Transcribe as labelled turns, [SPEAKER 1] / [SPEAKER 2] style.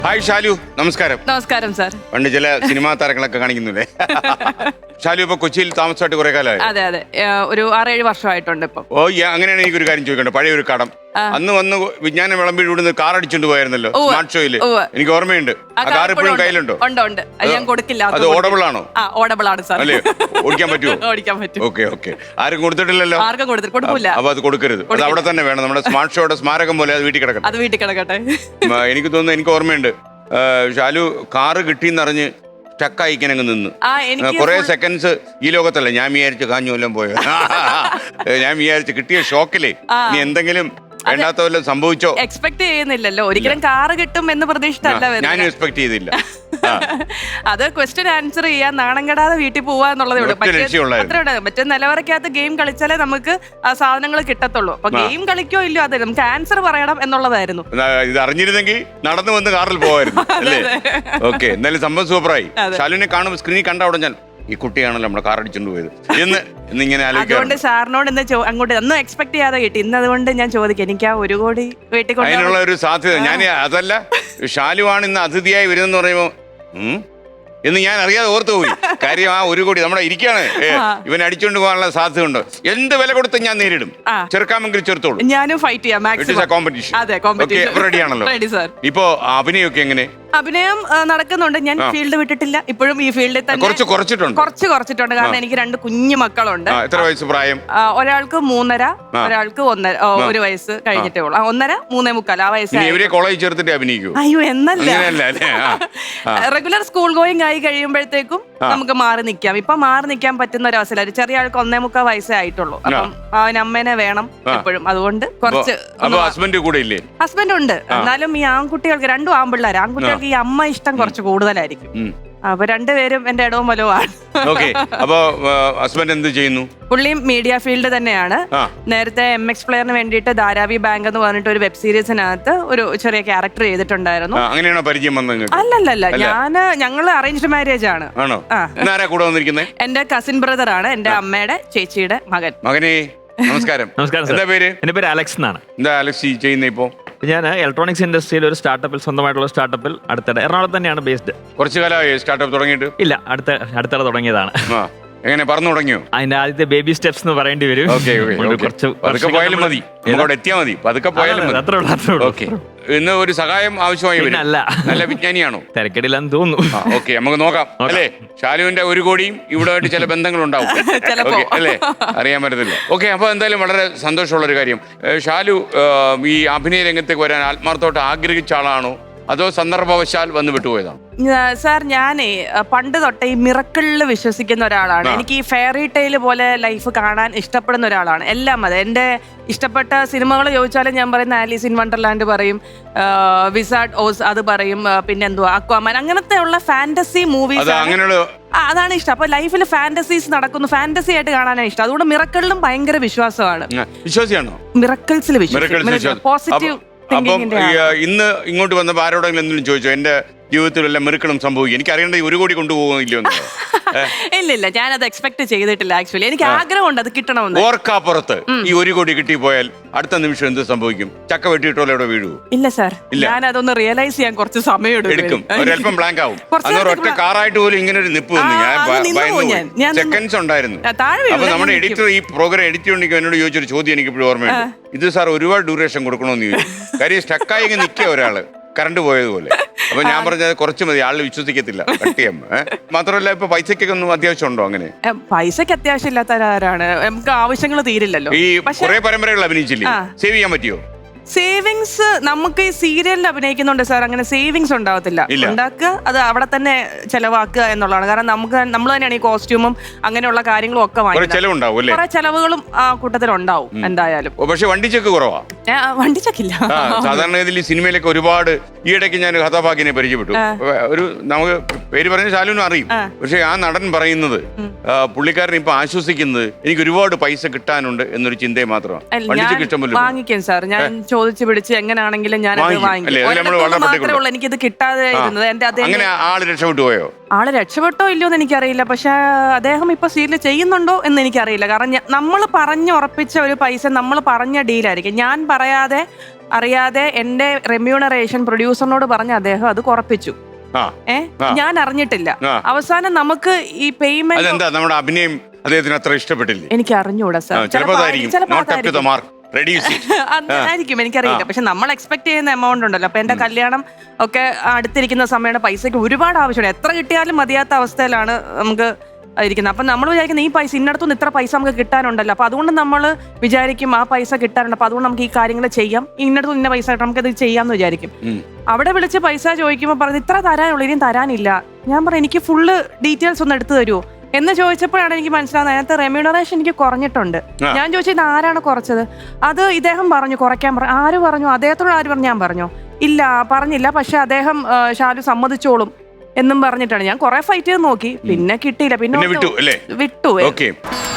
[SPEAKER 1] Hi Shalu, നമസ്കാരം.
[SPEAKER 2] നമസ്കാരം sir.
[SPEAKER 1] പണ്ട് ചില സിനിമാ താരങ്ങളൊക്കെ കാണിക്കുന്നില്ലേ? ഷാലു ഇപ്പൊ കൊച്ചിയിൽ താമസമായിട്ട് കുറെ കാലമായി?
[SPEAKER 2] അതെ അതെ, ഒരു 6-7 വർഷമായിട്ടുണ്ട് ഇപ്പം.
[SPEAKER 1] ഓ, അങ്ങനെയാണ് എനിക്കൊരു കാര്യം ചോദിക്കണ്ടേ. പഴയ ഒരു കടം അന്ന് വന്ന് വിജ്ഞാനം വിളമ്പിൽ ഇവിടുന്ന് കാർ അടിച്ചോണ്ട് പോയായിരുന്നല്ലോ സ്മാർട്ട് ഷോയില്. എനിക്ക് ഓർമ്മയുണ്ട്. ആ കാർ ഇപ്പോഴും കയ്യിലുണ്ടോ?
[SPEAKER 2] ഉണ്ട്. ഞാൻ കൊടുക്കില്ല.
[SPEAKER 1] അത് ഓടബിൾ ആണോ?
[SPEAKER 2] ഓടബിൾ ആണ് സാർ.
[SPEAKER 1] അല്ലേ, ഓടിക്കാൻ പറ്റുമോ?
[SPEAKER 2] ഓടിക്കാൻ പറ്റും.
[SPEAKER 1] Okay okay. ആരും കൊടുത്തിട്ടില്ലല്ലോ?
[SPEAKER 2] ആർക്കും കൊടുക്കില്ല.
[SPEAKER 1] അപ്പൊ അത് കൊടുക്കരുത്. അത് അവിടെ തന്നെ വേണം. നമ്മുടെ സ്മാർട്ട് ഷോയുടെ സ്മാരകം പോലെ അത് വീട്ടിൽ കിടക്കട്ടെ.
[SPEAKER 2] അത് വീട്ടിൽ കിടക്കട്ടെ.
[SPEAKER 1] എനിക്ക് തോന്നുന്നു, എനിക്ക് ഓർമ്മയുണ്ട്, ഷാലു കാറ് കിട്ടിയെന്നറിഞ്ഞ് സ്റ്റക്കായി ഇങ്ങനെ നിന്ന് കുറെ സെക്കൻഡ്സ് ഈ ലോകത്തല്ല. ഞാൻ വിചാരിച്ചു കാഞ്ഞു വല്ലതും പോയോ. ഞാൻ വിചാരിച്ചു കിട്ടിയ ഷോക്കിലേ നീ എന്തെങ്കിലും വേണ്ടാത്ത വല്ലതും സംഭവിച്ചോ.
[SPEAKER 2] എക്സ്പെക്ട് ചെയ്യുന്നില്ലല്ലോ, ഒരിക്കലും കാറ് കിട്ടും എന്ന് പ്രതീക്ഷിച്ചല്ല.
[SPEAKER 1] ഞാനും എക്സ്പെക്ട് ചെയ്തില്ല.
[SPEAKER 2] അത് ക്വസ്റ്റ്യൻ ആൻസർ ചെയ്യാൻ നാണം കെടാതെ വീട്ടിൽ പോവാന്നുള്ളതേ ഉള്ളൂ. മറ്റേ നിലവറയ്ക്കകത്ത് ഗെയിം കളിച്ചാലേ നമുക്ക് ആ സാധനങ്ങൾ കിട്ടത്തുള്ളൂ. അപ്പൊ ഗെയിം കളിക്കോ ഇല്ലയോ അതെ, നമുക്ക് ആൻസർ പറയണം എന്നുള്ളതായിരുന്നു.
[SPEAKER 1] ഇത് അറിഞ്ഞിരുന്നെങ്കിൽ നടന്നു വന്ന് കാറിൽ പോവായിരുന്നു അല്ലേ? ഓക്കെ, എന്തായാലും സംഭവം സൂപ്പറായി. ഷാലുവിനെ കാണുമ്പോൾ സ്ക്രീനിൽ കണ്ട അവിടെ ഞാൻ ഈ കുട്ടിയാണല്ലോ നമ്മുടെ കാർ അടിച്ചോണ്ട് പോയത് എന്നിങ്ങനെ
[SPEAKER 2] അതുകൊണ്ട് സാറിനോട് അങ്ങോട്ട് ഒന്നും എക്സ്പെക്ട് ചെയ്യാതെ കിട്ടി. ഇന്ന് അതുകൊണ്ട് ഞാൻ ചോദിക്കാം, എനിക്ക് ആ 1 കോടി വീട്ടിൽ
[SPEAKER 1] അതിനുള്ള ഒരു സാധ്യത. ഞാൻ അതല്ല, ഷാലുവാണ് ഇന്ന് അതിഥിയായി വരുന്നെന്ന് പറയുമ്പോ എന്ന് ഞാൻ അറിയാതെ ഓർത്തു പോയി. കാര്യം ആ 1 കോടി നമ്മുടെ ഇരിക്കാണ്. ഇവൻ അടിച്ചോണ്ട് പോകാനുള്ള സാധ്യത ഉണ്ട്. എന്ത് വില കൊടുത്ത് ഞാൻ നേരിടും. ചെറുക്കാമെങ്കിൽ ചെറുത്തോളൂ.
[SPEAKER 2] ഞാനും ഫൈറ്റ് ചെയ്യാം.
[SPEAKER 1] കോമ്പറ്റീഷൻ റെഡിയാണല്ലോ. ഇപ്പോ അഭിനയൊക്കെ എങ്ങനെ?
[SPEAKER 2] അഭിനയം നടക്കുന്നുണ്ട്. ഞാൻ ഫീൽഡ് വിട്ടിട്ടില്ല. ഇപ്പോഴും ഈ ഫീൽഡിൽ തന്നെ കുറച്ചിട്ടുണ്ട്. കാരണം എനിക്ക് 2 കുഞ്ഞു മക്കളുണ്ട്.
[SPEAKER 1] എത്ര വയസ്സ് പ്രായം?
[SPEAKER 2] ഒരാൾക്ക് 3.5, ഒരാൾക്ക് 1 വയസ്സ് കഴിഞ്ഞിട്ടേ ഉള്ളൂ. 1.5, 3.75 ആ വയസ്സ്.
[SPEAKER 1] കോളേജ് ചേർത്തിട്ട് അഭിനയിക്കൂ?
[SPEAKER 2] അയ്യോ, എന്നല്ല. റെഗുലർ സ്കൂൾ ഗോയിങ് ആയി കഴിയുമ്പോഴത്തേക്കും നമുക്ക് മാറി നിൽക്കാം. ഇപ്പൊ മാറി നിൽക്കാൻ പറ്റുന്ന ഒരു അവസരം. ചെറിയ ആൾക്ക് 1.25 വയസ്സേ ആയിട്ടുള്ളൂ. അപ്പം അവൻ അമ്മേനെ വേണം എപ്പോഴും. അതുകൊണ്ട് കുറച്ച്.
[SPEAKER 1] ഹസ്ബൻഡ് കൂടെ ഇല്ലേ?
[SPEAKER 2] ഹസ്ബൻഡ് ഉണ്ട്. എന്നാലും ഈ ആൺകുട്ടികൾക്ക് 2 ആൺപിള്ളേർ. ആൺകുട്ടികൾക്ക് ഈ അമ്മ ഇഷ്ടം കുറച്ച് കൂടുതലായിരിക്കും. അപ്പൊ 2 പേരും എന്റെ ഇടവും വലവുമാണ്.
[SPEAKER 1] ഹസ്ബൻഡ് എന്ത് ചെയ്യുന്നു?
[SPEAKER 2] പുള്ളിയും മീഡിയ ഫീൽഡ് തന്നെയാണ്. നേരത്തെ MX പ്ലെയറിന് വേണ്ടിയിട്ട് ധാരാവി ബാങ്ക് എന്ന് പറഞ്ഞിട്ട് ഒരു വെബ് സീരീസിനകത്ത് ഒരു ചെറിയ ക്യാരക്ടർ ചെയ്തിട്ടുണ്ടായിരുന്നു.
[SPEAKER 1] അങ്ങനെയാണോ പരിചയം വന്നത്?
[SPEAKER 2] അല്ലല്ല, ഞങ്ങള് അറേഞ്ച്ഡ് മാരേജ് ആണ്. എന്റെ കസിൻ ബ്രദർ ആണ്, എന്റെ അമ്മയുടെ ചേച്ചിയുടെ മകൻ.
[SPEAKER 1] മകനെ നമസ്കാരം.
[SPEAKER 3] എന്താ പേര്? എന്റെ പേര് അലക്സ് എന്നാണ്.
[SPEAKER 1] എന്താ അലക്സ് ചെയ്യുന്നത് ഇപ്പോ?
[SPEAKER 3] ഞാൻ ഇലക്ട്രോണിക്സ് ഇൻഡസ്ട്രിയിൽ ഒരു സ്റ്റാർട്ടപ്പിൽ, സ്വന്തമായിട്ടുള്ള സ്റ്റാർട്ടപ്പിൽ അടുത്തിടെ എറണാകുളത്ത് തന്നെയാണ് ബേസ്ഡ്.
[SPEAKER 1] കുറച്ചു കാലമായി സ്റ്റാർട്ടപ്പ് തുടങ്ങിയിട്ട്?
[SPEAKER 3] ഇല്ല, അടുത്തിടെ തുടങ്ങിയതാണ്.
[SPEAKER 1] എങ്ങനെ പറഞ്ഞു തുടങ്ങിയോ?
[SPEAKER 3] അതിന്റെ ആദ്യത്തെ ബേബി സ്റ്റെപ്സ് എന്ന് പറയേണ്ടി വരും.
[SPEAKER 1] പോയാലും മതി, എത്തിയാൽ മതി, പതുക്കെ പോയാലും മതി.
[SPEAKER 3] അത്രേ ഉള്ളൂ.
[SPEAKER 1] ഇന്ന് ഒരു സഹായം ആവശ്യമായി വരും. നല്ല വിജ്ഞാനിയാണോ?
[SPEAKER 3] തിരക്കിടില്ലെന്ന് തോന്നുന്നു.
[SPEAKER 1] ഓക്കെ, നമുക്ക് നോക്കാം അല്ലേ. ഷാലുവിന്റെ 1 കോടിയും ഇവിടെ ആയിട്ട് ചില ബന്ധങ്ങളുണ്ടാവും അല്ലേ, അറിയാൻ പറ്റത്തില്ല. ഓക്കെ, അപ്പൊ എന്തായാലും വളരെ സന്തോഷമുള്ള ഒരു കാര്യം. ഷാലു ഈ അഭിനയ രംഗത്തേക്ക് വരാൻ ആത്മാർത്ഥമായിട്ട് ആഗ്രഹിച്ച ആളാണോ, അതോ സന്ദർഭവശാൽ വന്ന് വിട്ടുപോയതാണ്?
[SPEAKER 2] സാർ, ഞാനേ പണ്ട് തൊട്ടേ ഈ മിറക്കിളിൽ വിശ്വസിക്കുന്ന ഒരാളാണ്. എനിക്ക് ഈ ഫെയറി ടെയിൽ പോലെ ലൈഫ് കാണാൻ ഇഷ്ടപ്പെടുന്ന ഒരാളാണ്. എല്ലാം അതെ. എൻ്റെ ഇഷ്ടപ്പെട്ട സിനിമകൾ ചോദിച്ചാലും ഞാൻ പറയുന്ന ആലീസ് ഇൻ വണ്ടർലാൻഡ് പറയും, വിസാർഡ് ഓസ് അത് പറയും, പിന്നെ എന്തുവാ അക്വാമാൻ, അങ്ങനത്തെ ഉള്ള ഫാന്റസി മൂവീസ് അതാണ് ഇഷ്ടം. അപ്പൊ ലൈഫിൽ ഫാന്റസീസ് നടക്കുന്നു, ഫാന്റസി ആയിട്ട് കാണാനാണ് ഇഷ്ടം. അതുകൊണ്ട് മിറക്കിളിലും ഭയങ്കര വിശ്വാസമാണ്. മിറക്കിൾസിൽ വിശ്വാസം, പോസിറ്റീവ്.
[SPEAKER 1] അപ്പം ഇന്ന് ഇങ്ങോട്ട് വന്നപ്പോൾ ആരോടെങ്കിലും എന്തെങ്കിലും ചോദിച്ചോ എന്റെ ജീവിതത്തിൽ വല്ല മെറുക്കണം സംഭവിക്കും? എനിക്ക് അറിയേണ്ട 1 കോടി കൊണ്ടുപോകില്ലോ?
[SPEAKER 2] ഇല്ല, ഞാനത് എക്സ്പെക്ട് ചെയ്തിട്ടില്ല. ആക്ച്വലി എനിക്ക് ആഗ്രഹമുണ്ട് അത് കിട്ടണമെന്ന്.
[SPEAKER 1] ഓർക്കാപ്പുറത്ത് ഈ 1 കോടി കിട്ടിപ്പോയാൽ അടുത്ത നിമിഷം എന്ത് സംഭവിക്കും? ചക്ക വെട്ടിയിട്ടോലെ ഇവിടെ വീഴുവോ?
[SPEAKER 2] ഇല്ല സാർ, ഞാൻ അതൊന്ന് റിയലൈസ് ചെയ്യാൻ കുറച്ച് സമയം
[SPEAKER 1] എടുക്കും. ഒരല്പം ബ്ലാങ്ക് ആവും. ഒറ്റ കാറായിട്ട് പോലും ഇങ്ങനെ ഒരു നിപ്പ് ഞാൻ സെക്കൻഡ്സ് ഉണ്ടായിരുന്നു. അപ്പൊ നമ്മുടെ എഡിറ്റർ ഈ പ്രോഗ്രാം എഡിറ്റ് ചെയ്യണമെങ്കിൽ എന്നോട് ചോദിച്ചൊരു ചോദ്യം എനിക്ക് ഇപ്പോഴും ഓർമ്മയുണ്ട്. ഇത് സാർ ഒരുപാട് ഡ്യൂറേഷൻ കൊടുക്കണമെന്ന് ചോദിച്ചു. കാര്യം സ്റ്റക്കായി നിൽക്കുക ഒരാള് കറണ്ട് പോയതുപോലെ. അപ്പൊ ഞാൻ പറഞ്ഞത് കുറച്ച് മതി, ആള് വിശ്വസിക്കത്തില്ല. കട്ടിയം മാത്രമല്ല, ഇപ്പൊ പൈസക്കൊക്കെ ഒന്നും അത്യാവശ്യം ഉണ്ടോ? അങ്ങനെ
[SPEAKER 2] പൈസക്ക് അത്യാവശ്യം ഇല്ലാത്തവരാണ്, നമുക്ക് ആവശ്യങ്ങൾ തീരില്ലല്ലോ.
[SPEAKER 1] ഈ കുറെ പരമ്പരകൾ അഭിനയിച്ചില്ലേ, സേവ് ചെയ്യാൻ പറ്റിയോ?
[SPEAKER 2] സേവിങ്സ് നമുക്ക് ഈ സീരിയലിൽ അഭിനയിക്കുന്നുണ്ട് സാർ, അങ്ങനെ സേവിങ്സ് ഉണ്ടാവത്തില്ല. ഉണ്ടാക്കുക, അത് അവിടെ തന്നെ ചെലവാക്കുക എന്നുള്ളതാണ്. കാരണം നമ്മൾ തന്നെയാണ് ഈ കോസ്റ്റ്യൂമും അങ്ങനെയുള്ള കാര്യങ്ങളും ഒക്കെ വാങ്ങിക്കുന്നത്. കുറെ ചെലവുകളും ആ കൂട്ടത്തിൽ ഉണ്ടാവും എന്തായാലും.
[SPEAKER 1] പക്ഷെ വണ്ടി ചെക്ക് കുറവാ.
[SPEAKER 2] വണ്ടി ചെക്കില്ല.
[SPEAKER 1] സാധാരണ ഇതിൽ സിനിമയിലൊക്കെ ഒരുപാട്, ഈ ഇടയ്ക്ക് ഞാൻ കഥാപാകിനെ പരിചയപ്പെട്ടു. ഒരു നമുക്ക് പേര് പറഞ്ഞ ശാലുവിനും അറിയും. പക്ഷെ ആ നടൻ പറയുന്നത് പുള്ളിക്കാരൻ ഇപ്പൊ ആശ്വസിക്കുന്നത് എനിക്ക് ഒരുപാട് പൈസ കിട്ടാനുണ്ട് എന്നൊരു ചിന്തയെ മാത്രമാണ്. വണ്ടി ചെക്ക് ഇഷ്ടംപോലെ
[SPEAKER 2] വാങ്ങിക്കും സാർ. ഞാൻ ചോദിച്ചു പിടിച്ച് എങ്ങനെയാണെങ്കിലും ഞാൻ മാത്രമേ ഉള്ളൂ എനിക്കിത് കിട്ടാതെ ഇരുന്നത്.
[SPEAKER 1] ആള് രക്ഷപ്പെട്ടു പോയോ?
[SPEAKER 2] ആള് രക്ഷപ്പെട്ടോ ഇല്ലയോ എന്ന് എനിക്കറിയില്ല. പക്ഷെ അദ്ദേഹം ഇപ്പൊ സീരിയൽ ചെയ്യുന്നുണ്ടോ എന്ന് എനിക്കറിയില്ല. കാരണം നമ്മൾ പറഞ്ഞുറപ്പിച്ച ഒരു പൈസ, നമ്മൾ പറഞ്ഞ ഡീലായിരിക്കും. ഞാൻ പറയാതെ അറിയാതെ എന്റെ റെമ്യൂണറേഷൻ പ്രൊഡ്യൂസറിനോട് പറഞ്ഞ് അദ്ദേഹം അത് കുറപ്പിച്ചു. ഞാൻ അറിഞ്ഞിട്ടില്ല. അവസാനം നമുക്ക് ഈ പേയ്മെന്റ്
[SPEAKER 1] നമ്മുടെ അഭിനയം അദ്ദേഹത്തിന് അത്ര ഇഷ്ടപ്പെട്ടില്ല.
[SPEAKER 2] എനിക്ക് അറിഞ്ഞൂടാ സാർ, ആയിരിക്കും, എനിക്കറിയില്ല. പക്ഷെ നമ്മൾ എക്സ്പെക്ട് ചെയ്യുന്ന എമൗണ്ട് ഉണ്ടല്ലോ. അപ്പൊ എന്റെ കല്യാണം ഒക്കെ അടുത്തിരിക്കുന്ന സമയമാണ്, പൈസക്ക് ഒരുപാട് ആവശ്യമുണ്ട്. എത്ര കിട്ടിയാലും മതിയാത്ത അവസ്ഥയിലാണ് നമുക്ക് ഇരിക്കുന്നത്. അപ്പൊ നമ്മൾ വിചാരിക്കുന്നത് ഈ പൈസ ഇന്നടത്തുനിന്ന് ഇത്ര പൈസ നമുക്ക് കിട്ടാനുണ്ടല്ലോ. അപ്പൊ അതുകൊണ്ട് നമ്മൾ വിചാരിക്കും ആ പൈസ കിട്ടാനുണ്ട്, അപ്പൊ അതുകൊണ്ട് നമുക്ക് ഈ കാര്യങ്ങൾ ചെയ്യാം, ഇന്നടത്തുനിന്ന് ഇന്ന പൈസ കിട്ടാം, നമുക്കത് ചെയ്യാമെന്ന് വിചാരിക്കും. അവിടെ വിളിച്ച് പൈസ ചോദിക്കുമ്പോൾ പറഞ്ഞ് ഇത്ര തരാനുള്ളൂ, ഇനിയും തരാനില്ല. ഞാൻ പറഞ്ഞു എനിക്ക് ഫുള്ള് ഡീറ്റെയിൽസ് ഒന്ന് എടുത്തു തരുമോ എന്ന് ചോദിച്ചപ്പോഴാണ് എനിക്ക് മനസ്സിലാവുന്നത് അതിനകത്ത് റെമ്യൂണറേഷൻ എനിക്ക് കുറഞ്ഞിട്ടുണ്ട്. ഞാൻ ചോദിച്ചു ഇത് ആരാണ് കുറച്ചത്? അത് ഇദ്ദേഹം പറഞ്ഞു കുറയ്ക്കാൻ പറഞ്ഞു. ആര് പറഞ്ഞു? അദ്ദേഹത്തോട് ആര് പറഞ്ഞു? ഞാൻ പറഞ്ഞു ഇല്ല പറഞ്ഞില്ല, പക്ഷെ അദ്ദേഹം ഷാലു സമ്മതിച്ചോളും എന്നും പറഞ്ഞിട്ടാണ്. ഞാൻ കുറെ ഫൈറ്റ് ചെയ്ത് നോക്കി, പിന്നെ കിട്ടിയില്ല, പിന്നെ വിട്ടു.